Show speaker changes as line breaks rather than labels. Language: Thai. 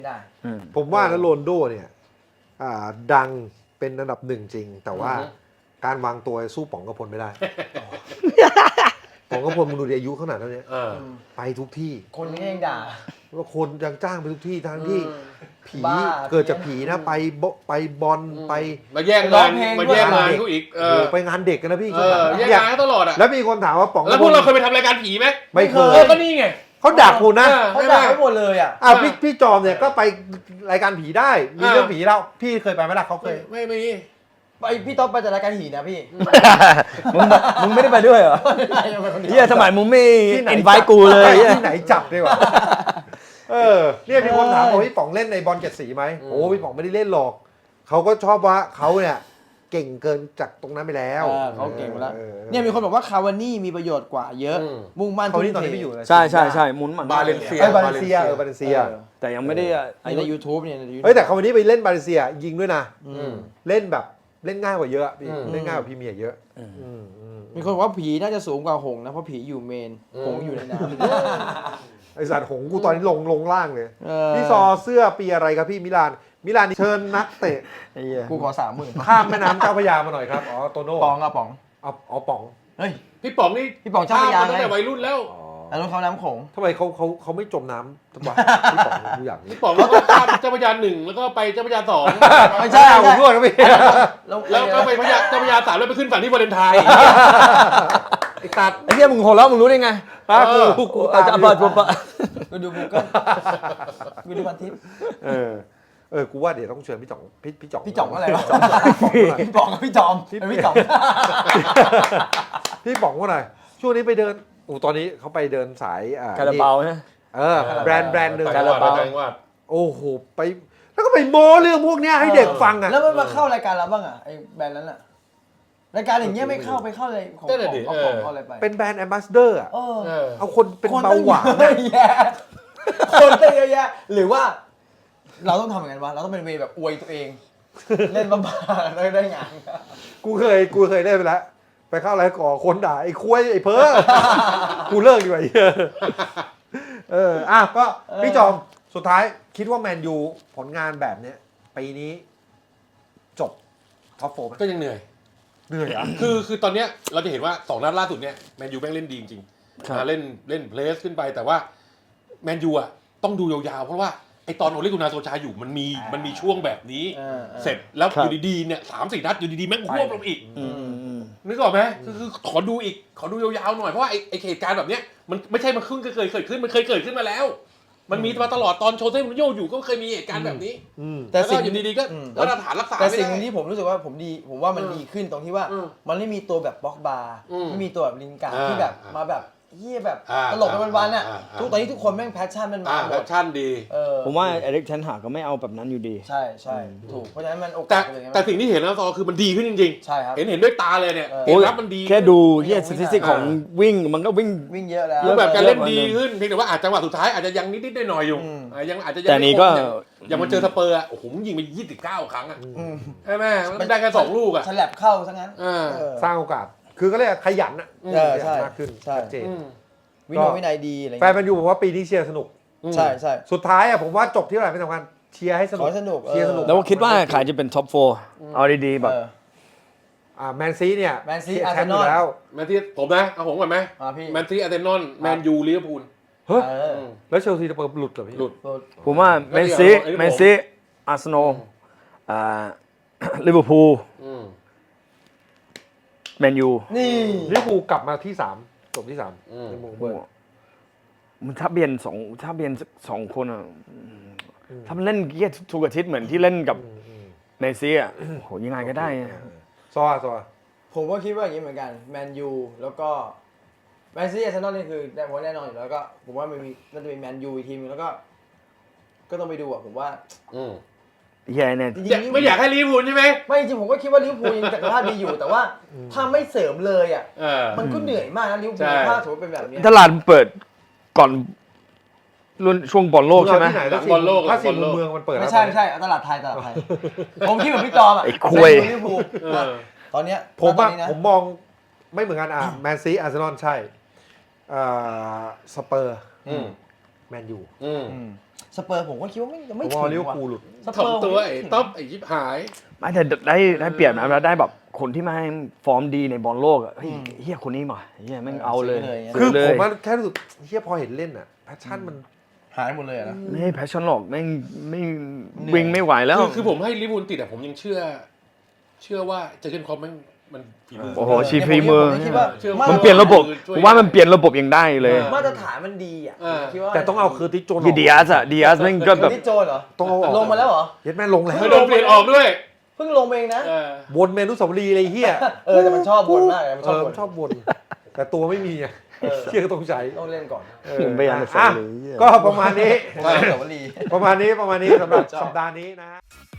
ได้
ผมว่านะโรนลโดเนี่ยดังเป็นอันดับหนึ่งจริงแต่ว่าการวางตัวสู้ป๋องกระพลไม่ได้ ป๋องกระพลมึงดูดิอายุขนาดนั้นเนี่ยไปทุกที่
คนนี้ยังด่า
ว่าคนยังจ้างไปทุกที่ทั้งที่ผี
เกิ
เกิ
ด
ด
จา
จาก ก
ผี
ผี
นะ
นะไปบอลไป
มาแย่งงานมาแย่งงานเขาอีก
ไปงานเด็กกันนะพี่
แย่งงานเขาตลอดอ่ะ
แล้วมีคนถามว่าป๋อง
แล้วพวกเราเคยไปทำรายการผีไหม
ไม่เคย
ก็นี่ไง
เขาดักกูนะ
เขาด่าไปหมดเลยอ่ะ
พี่จอมเนี่ยก็ไปรายการผีได้มีเรื่องผีแล้วพี่เคยไปไหมล่ะเขาเคย
ไม่มี
ไปพี่ต๊อบไปจากรายการหีนะพี่
มึงไม่ได้ไปด้วยเหรอเฮียสมัยมึงไม่อินไวต์กูเลย
ที่ไหนจับดีกว่าเนี่ยมีคนถามว่าพี่ป๋องเล่นในบอลเจ็ดสีไหมโอ้พี่ป๋องไม่ได้เล่นหรอกเขาก็ชอบว่าเขาเนี่ยเก่งเกินจากตรงนั้นไปแล้ว
เขาเก่งไปแล้วเนี่ยมีคนบอกว่าคาวานี่มีประโยชน์กว่าเยอะมุ่งมั่น
เขานี่ตอนนี้ไม่อยู่เลย
ใช่มุนมัน
บาเลนเซีย
บาเลนเซีย
แต่ยังไม่ได้
ใน YouTube เนี่ย
แต่เขาวันนี้ไปเล่นบาเลนเซียยิงด้วยนะเล่นแบบเล่นง่ายกว่าเยอะเล่นง่ายกว่าพรีเมียร์เยอะ
มีคนบอกว่าผีน่าจะสูงกว่าหงนะเพราะผีอยู่เมนหงอยู่ในน้ำ
ไอสัตว์หงกูตอนนี้ลงล่างเลยพี่ซอเสื้อปีอะไรครับพี่มิลานเชิญนักเตะ
กูขอ 30,000
ข้ามแม่น้ำเจ้าพระยามาหน่อยครับอ๋อโตโน่
ป๋องอะป๋อง
อ๋อป๋อง
เฮ้ย
พี่ป๋องนี่
พี่ป๋องเจ้าพระยา
ตั้งแต่วัยรุ่นแล้ว
แล้วรถเขาน้ำโขง
ทำไมเขาไม่จมน้ำทำไมพี่ป๋องดูอย่างนี้
พี่ป๋องก็ข้ามเจ้าพระยา1แล้วก็ไปเจ้าพระยา2
ไม่ใช่
ผมด้วยครับพี่
แล้วก็ไปเจ้าพระยา3แล้วไปขึ้นฝั่งที่วาเลนไทน์
ไอ้ตัด
ไอ้เฮียมึงหัวเราะมึงรู้ได้ไง
กูตาม
จะเปิด
กูดูกูเกิลกูดูพันทิป
กูว่าเดี๋ยวต้องเชิญพี่จ่อง
พี่จ่องอะไรวะพี่ป๋องกับพี่จอมพี่จ่อง
พี่ป๋องว่าไงช่วงนี้ไปเดินตอนนี้เขาไปเดินสาย
คาราบาวนะ
แบรนด์หนึ่ง
คาราบาว
โอ้โหไปแล้วก็ไปโม้เรื่องพวกนี้ให้เด็กฟังอ่ะ
แล้วมันมาเข้ารายการเราบ้างอ่ะไอ้แบรนด์นั้นอ่ะรายการอย่างเงี้ยไม่เข้าไปเข้าอะไรของอะไรไป
เป็นแบรนด์แอมบาสเดอร์อ่ะเอาคนเป็นเบาหวาน
คนเยอะแยะหรือว่าเราต้องทำอย่างนั้นวะเราต้องเป็นเวแบบอวยตัวเองเล่นบ้าๆแล้วได้งาน
กูเคยได้ไปแล้วไปเข้าอะไรก่อคนด่าไอ้คุ้ยไอ้เพ้อกูเลิกดีกว่าก็พี่จอมสุดท้ายคิดว่าแมนยูผลงานแบบเนี้ยปีนี้จบท็อปโฟร์
ก็ยังเหนื่อย
อ่ะ
คือตอนเนี้ยเราจะเห็นว่า2นัดล่าสุดเนี่ยแมนยูแม่งเล่นดีจริงๆเล่นเพลสขึ้นไปแต่ว่าแมนยูอ่ะต้องดูยาวๆเพราะว่าไอตอนโอเลกุนาโซชาอยู่มันมีช่วงแบบนี้เสร็จแล้วอยู่ดีๆเนี่ย3-4 นัดอยู่ดีๆแม่งควบลงอีกนึกออกไหมคือขอดูยาวๆหน่อยเพราะว่าไอเหตุการณ์แบบเนี้ยมันไม่ใช่มันเคยเกิดขึ้นมันเคยเกิดขึ้นมาแล้วมันมีมาตลอดตอนโชเซ่มูรินโญ่อยู่ก็เคยมีเหตุการณ์แบบนี้แต่สิ่งอยู่ดีๆก็มาตรฐานรักษา
แต่สิ่งที่ผมรู้สึกว่าผมว่ามันดีขึ้นตรงที่ว่ามันไม่มีตัวแบบบล็อกบาร์ไม่มีตัวแบบลินการ์ดที่แบบมาแบบเฮียแบบตลกไปวันๆอ่ะตอนนี้ทุกคนแม่งแพชชั่นมันมา
แพชชั่นดี
ผมว่าเอริกเทนหากก็ไม่เอาแบบนั้นอยู่ดี
ใช่ถูกเพราะฉะนั้นมันโอกาส
แต่สิ่งที่เห็นแล้วซอคือมันดีขึ้นจริงๆ
ใช่ครับ
เห็นด้วยตาเลยเนี่ยเกมรับมันดี
แค่ดูเฮียสถิติของวิ่งมันก็
วิ่งเยอะแล้ว
แบบการเล่นดีขึ้นเพียงแต่ว่าอาจจังหวะสุดท้ายอาจจะยังนิดๆหน่อยๆอยู่ยังอาจจะยัง
แต่นี้ก็
ยังมาเจอสเปอร์อ่ะโอ้โหยิงไป29 ครั้งอ่ะใช่ไหมมันได้แค่2 ลูกอ่ะ
ฉลับเข้าซะงั้น
สร้างโอกาสคือก็เรียกขยันอ่ะมากขึ้นชัดเจน
วินัยดีอะไร
แฟนมันอยู่บอกว่าปีนี้เชียร์สนุก
ใช่
สุดท้ายอ่ะผมว่าจบที่อะไรไม่สำคัญเชียร์ให้สนุก
เชียร์สนุก
แล้วคิดว่าใครจะเป็นท็อป4เอาดีๆแบบ
แมนซีเนี่ย
แมนซีอาร์เซนอล
แล้วแมนซีผมนะเอาผมก่อนไหมแมนซีอาร์เซนอลแมนยูลิเวอร์พูล
เฮ้ยแล้วเชลซีจะเปิดหลุดเหรอพี่
หลุด
ผมว่าแมนซีอาร์เซนอลลิเวอร์พูลแมนยู
นี่
ลิเวอร์พูลกลับมาที่3จบที่3ในมุมเบิร์
มันถ้าเบียน2คนอ่ะถ้ามันเล่นเกียร์ทุกอาทิตย์เหมือนที่เล่นกับเมสซี่อ่ะโหยังไงก็ได้
ซอ
ผมก็คิดว่าอย่างนี้เหมือนกันแมนยูแล้วก็แมนซีอาร์เซนอลนี่คือแน่นอนอยู่แล้วก็ผมว่ามันมีน่าจะมีแมนยูอีกทีนึงแล้วก็ต้องไปดูอ่ะผมว่า
แย่เนี่ย
ไม่อยากให้ลิเวอร์พูลใช่ไหม
ไม่จริงผมก็คิดว่าลิเวอร์พูลยังจักรพรรดิดีอยู่แต่ว่าถ้าไม่เสริมเลยอ่ะมันก็เหนื่อยมากนะลิเวอร์พูลถ้าสมมติเป็นแบบนี้
ตลาดเปิดก่อนรุ่นช่วงบอลโลกใช่ไหม
บอลโลก
ถ้าสิเมืองมันเปิด
ไม่ใช่ตลาดไทยผมคิดแบบพี่จอมอ่ะ
ไอ้คุย
ลิเวอร์พูลตอนเนี้ย
ผมมองไม่เหมือนกันแมนซีอาร์เซนอลใช่สเปอร์แมนยู
สเปอร์ผมก็คิดว่าไม่
ผม
ถึ
ว่าง ลิเวอร์
ว่ะ
พูลหลุด
สเปอร์
ถ่อมตัวไอ้ต๊อบไอ้ยิบหาย
ไม่แต่ได้เปรียบนะแล้วได้แบบคนที่มาให้ฟอร์มดีในบอลโลกอะเฮ้ยเฮียคนนี้มาเฮียแม่งเอาเลย
คือ
เล
ผ
ย
มว่าแค่รู้สึกเฮียพอเห็นเล่นอ่ะแพชชั่นมัน
หายหมดเลยอะนะ
ไม่ให้แพชชั่นหรอกแม่งไม่
เหนื่อย
วิ่งไม่ไหวแล้ว
คือผมให้ลิเวอร์พูลติดอะผมยังเชื่อว่าเจอร์เกนคล็อปมันฝีมือ
โอ้โหชีฝีมือ
ผมคิดว่า
เชื่อ
มันเปลี่ยนระบบผมว่ามันเปลี่ยนระบบยังได้เลย
มาตรฐานมันดีอ่ะ
เออ
คิดว่า
แต่ต้องเอาคือติโจนอ
ยี
อก
ดีอาร์ดีอาร์แม่งก็แบบ
ที่โจนเหรอ
ต้องเอาออก
ลงมาแล้วเหรอ
เย็ดแม่ลงแล้ว
ไม่โดนเปลี่ยนออกด้วย
เพิ่งลงเองนะ
เออ
วนเมนุสาวรีย์เลยเฮีย
แต่มันชอบบ่นมากเลยมันชอบบ่น
มันชอบวนแต่ตัวไม่มีไง
เออ
เฮียก็ต้องใช้
ต้องเล่นก่อน
ไม่อยากจะ
อ่ะ
เลย
ก็ประมาณนี้
ว่าแต่ว่าลี
ประมาณนี้สำหรับสัปดาห์นี้นะฮะ